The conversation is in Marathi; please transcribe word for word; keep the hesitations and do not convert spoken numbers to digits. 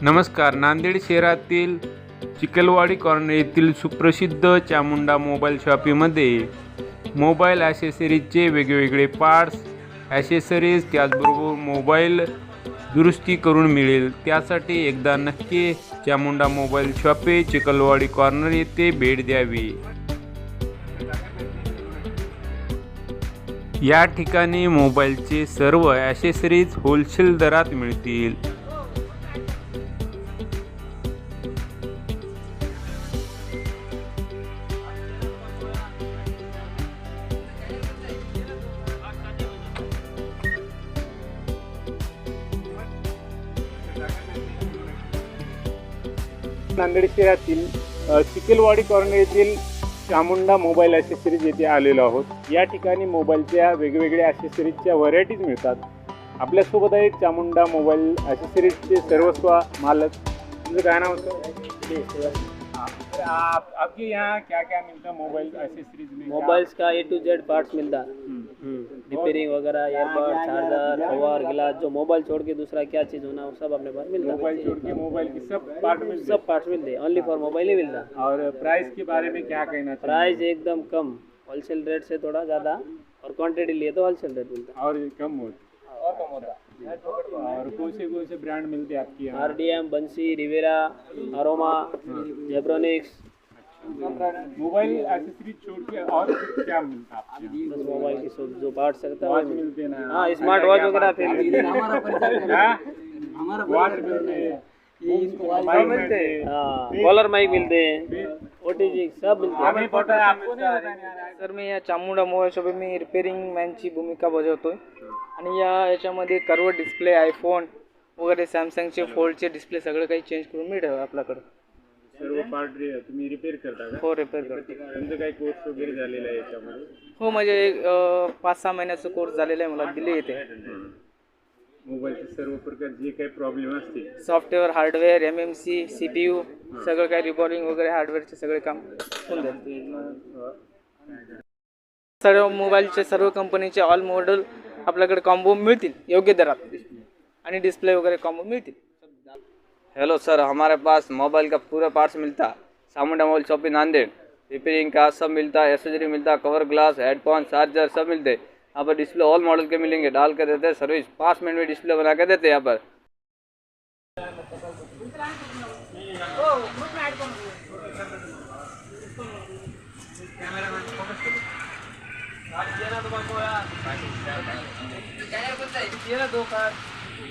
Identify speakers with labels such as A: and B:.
A: नमस्कार. नांदेड शहरातील चिखलवाडी कॉर्नर येथील सुप्रसिद्ध चामुंडा मोबाईल शॉपीमध्ये मोबाईल ॲसेसरीजचे वेगवेगळे पार्ट्स, ॲसेसरीज त्याचबरोबर मोबाईल दुरुस्ती करून मिळेल. त्यासाठी एकदा नक्की Chamunda mobile shoppe Chikhalwadi corner येथे भेट द्यावी. या ठिकाणी मोबाईलचे सर्व ॲसेसरीज होलसेल दरात मिळतील.
B: नांदेड शहरातील चिखलवाडी कॉर्नर येथील चामुंडा मोबाईल ॲसेसरीज येथे आलेलो आहोत. या ठिकाणी मोबाईलच्या वेगवेगळ्या ॲसेसरीजच्या व्हरायटीज मिळतात. आपल्यासोबत आहे चामुंडा मोबाईल ॲसेसरीजचे सर्वस्व मालक. तुमचं काय नाव सर? आप, आपके यहाँ क्या क्या मिलता है मोबाइल एसेसरीज में?
C: मोबाइल्स का ए टू जेड पार्ट्स मिलता है, रिपेयरिंग वगैरह, एयरबड, चार्जर, कवर, गिलास, जो मोबाइल छोड़ के दूसरा क्या चीज़ होना वो सब अपने पास मिलता है.
B: मोबाइल छोड़ के मोबाइल की सब पार्ट मिलते
C: सब पार्ट्स मिलते हैं, ओनली फॉर मोबाइल ही मिलता है.
B: और प्राइस के बारे में क्या कहना चाहिए?
C: प्राइस एकदम कम, होलसेल रेट से थोड़ा ज़्यादा, और क्वांटिटी लिए तो होलसेल रेट मिलता है.
B: और कम होता
C: और कम होता है.
B: और कौन से कौन से ब्रांड मिलते हैं आपके यहाँ?
C: R D M, Bansi, Rivera, Aroma, Zebronics.
B: Mobile accessories छोड़ के और क्या मिलता है आपके यहाँ?
C: बस मोबाइल की सब जो पार्ट्स रहता है
B: वॉच
C: वो
B: मिलते हैं ना?
C: हाँ, स्मार्ट वॉच वगैरह फिर
B: वॉच मिलते हैं,
C: सब मिलते हैं. हाँ, कॉलर माइक मिलते हैं, ओ टी जी सब मिलते हैं.
B: आम्ही फोटो आपको नहीं बताने आ रहा है.
D: सर, मी या चामुंडा मोबाईल शॉपी मी रिपेअरिंग मॅनची भूमिका बजावतोय आणि या याच्यामध्ये कर्व डिस्प्ले, आयफोन वगैरे सॅमसंगचे फोल्डचे डिस्प्ले सगळं काही चेंज करून मिळेल आपल्याकडं.
B: सर्व पार्ट तुम्ही रिपेअर करता का?
D: हो, रिपेअर करतो.
B: तुमचं काही कोर्स वगैरे झालेला आहे याच्यामध्ये?
D: हो, म्हणजे एक अं, पाच सहा महिन्याचा कोर्स झालेला आहे, मला दिले येते.
B: मोबाईलचे सर्व प्रकार जे काही प्रॉब्लेम असतील,
D: software, hardware, M M C, C P U सगळं काही रिबॉलिंग वगैरे हार्डवेअरचे सगळे काम होऊन जाईल. सर्व मोबाईलचे सर्व कंपनीचे ऑल मॉडेल आपल्याकडे कॉम्बो मिळतील योग्य दरात, आणि डिस्प्ले वगैरह कॉम्बो मिलती.
E: हेलो सर, हमारे पास मोबाइल का पूरा पार्ट्स मिलता है. Chamunda mobile shoppe Nanded, repairing का सब मिलता है, एसेसरी मिलता है, कवर, ग्लास, हेडफोन, चार्जर सब मिलते हैं. यहाँ पर डिस्प्ले ऑल मॉडल के मिलेंगे, डाल कर देते हैं सर्विस. पाँच मिनट में डिस्प्ले बना के देते हैं यहाँ पर.
D: दो